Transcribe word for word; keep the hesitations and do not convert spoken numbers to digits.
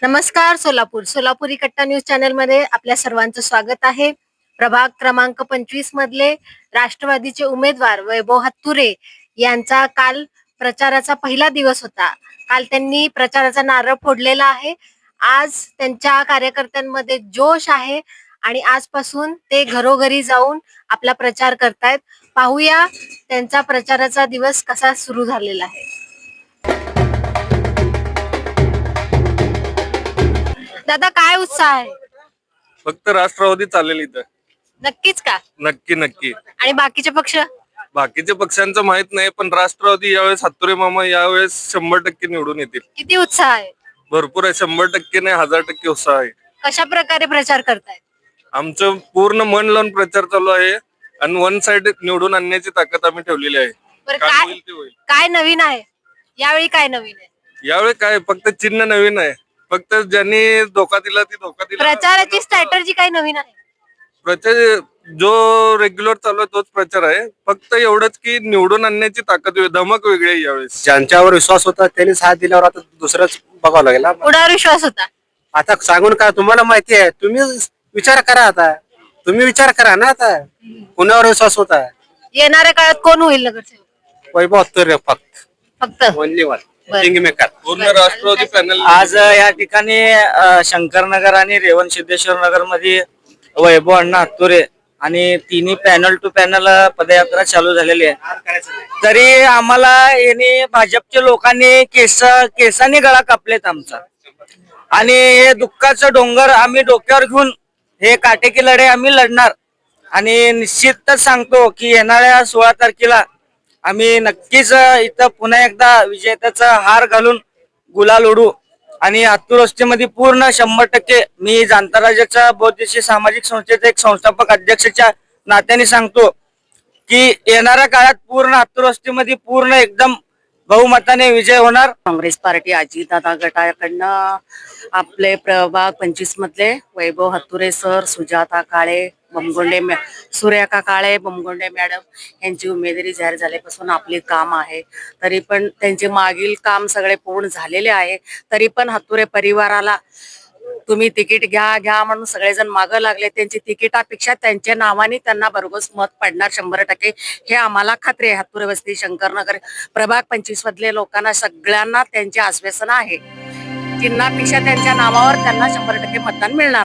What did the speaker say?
नमस्कार सोलापूर सोलापुरी कट्टा news channel मध्ये आपल्या सर्वांचं स्वागत आहे। प्रभाग क्रमांक पंचवीस मधले राष्ट्रवादीचे उमेदवार वैभव हत्तुरे यांचा काल प्रचाराचा पहिला दिवस होता। काल त्यांनी प्रचाराचा नारळ फोडलेला आहे। आज त्यांच्या कार्यकर्त्यांमध्ये जोश आहे आणि आजपासून ते घरोघरी जाऊन आपला प्रचार करतायत। पाहूया त्यांचा प्रचाराचा दिवस कसा सुरू झालेला आहे। दादा काय उत्साह आहे? फक्त राष्ट्रवादी चालेल इथं। नक्कीच का? नक्की नक्की। आणि बाकीचे पक्ष? बाकीचे पक्षांचं माहित नाही, पण राष्ट्रवादी यावेळेस हत्तुरे मामा यावेळेस शंभर टक्के निवडून येतील। किती उत्साह आहे? भरपूर आहे, शंभर टक्के नाही हजार टक्के उत्साह आहे। कशा प्रकारे प्रचार करतायत? आमचं पूर्ण मन लावून प्रचार चालू आहे आणि वन साइड निवडून आणण्याची ताकद आम्ही ठेवलेली आहे। बरं, काय काय होईल ते होईल। काय नवीन आहे यावेळी? काय नवीन आहे यावेळी? काय फक्त चिन्ह नवीन आहे, फक्त ज्यांनी धोका दिला ती धोका दिला। प्रचाराची स्ट्रॅटेजी काय नवीन आहे? प्रचार जो रेग्युलर चालू आहे तोच प्रचार आहे, फक्त एवढंच की निवडून आणण्याची ताकद धमक वेगळी आहे यावेळेस। ज्यांच्यावर विश्वास होता त्यांनी साथ दिल्यावर आता दुसरंच बघावं लागेल। कुणावर विश्वास होता? आता सांगून का, तुम्हाला माहिती आहे, तुम्ही विचार करा। आता तुम्ही विचार करा ना, आता कुणावर विश्वास होता? येणाऱ्या काळात कोण होईल नगरसेवक? वैभव हत्तुरे फक्त फक्त ओनली वन बरं. King maker. पूर्ण राष्ट्रवादी पॅनल आज या ठिकाणी अ, शंकरनगर आणि रेवण सिद्धेश्वर नगर मध्ये वैभव अण्णा हत्तुरे आणि तिन्ही पॅनल टू पॅनल पदयात्रा चालू झालेली आहे। तरी आम्हाला यांनी भाजपच्या लोकांनी केस केसाने गळा कापलेत आमचा, आणि हे दुःखाचं डोंगर आम्ही डोक्यावर घेऊन हे काटेकी लढाई आम्ही लढणार। आणि निश्चितच सांगतो की येणाऱ्या सोळा तारखेला आम्ही नक्कीच इथं पुन्हा एकदा विजेत्याचा हार घालून गुलाल उडू। आणि हत्तूर वस्तीमध्ये पूर्ण शंभर टक्के मी जाणता राज्याच्या बौद्धिशी सामाजिक संस्थेचे एक संस्थापक अध्यक्षाच्या नात्याने सांगतो की येणाऱ्या काळात पूर्ण हत्तूर वस्तीमध्ये पूर्ण एकदम बहुमताने विजय होणार। काँग्रेस पार्टी अजितदादा गटाकडनं आपले प्रभाग पंचवीस मधले वैभव हत्तुरे सर, सुजाता काळे, बमगोंडे, सूर्यका काळे, बमगोंडे मॅडम यांची उमेदवारी जाहीर झाल्यापासून आपले काम आहे। तरी पण त्यांचे मागील काम सगळे पूर्ण झालेले आहे। तरी पण हत्तुरे परिवाराला तुम्ही तिकीट घ्या घ्या म्हणून सगळेजण मागं लागले। त्यांची तिकिटापेक्षा त्यांच्या नावाने त्यांना भरघोस मत पडणार शंभर टक्के, हे आम्हाला खात्री आहे। हत्तुरे वस्ती शंकरनगर प्रभाग पंचवीस मधले लोकांना सगळ्यांना त्यांचे आश्वासन आहे। चिन्हापेक्षा त्यांच्या नावावर त्यांना शंभर टक्के मतदान मिळणार।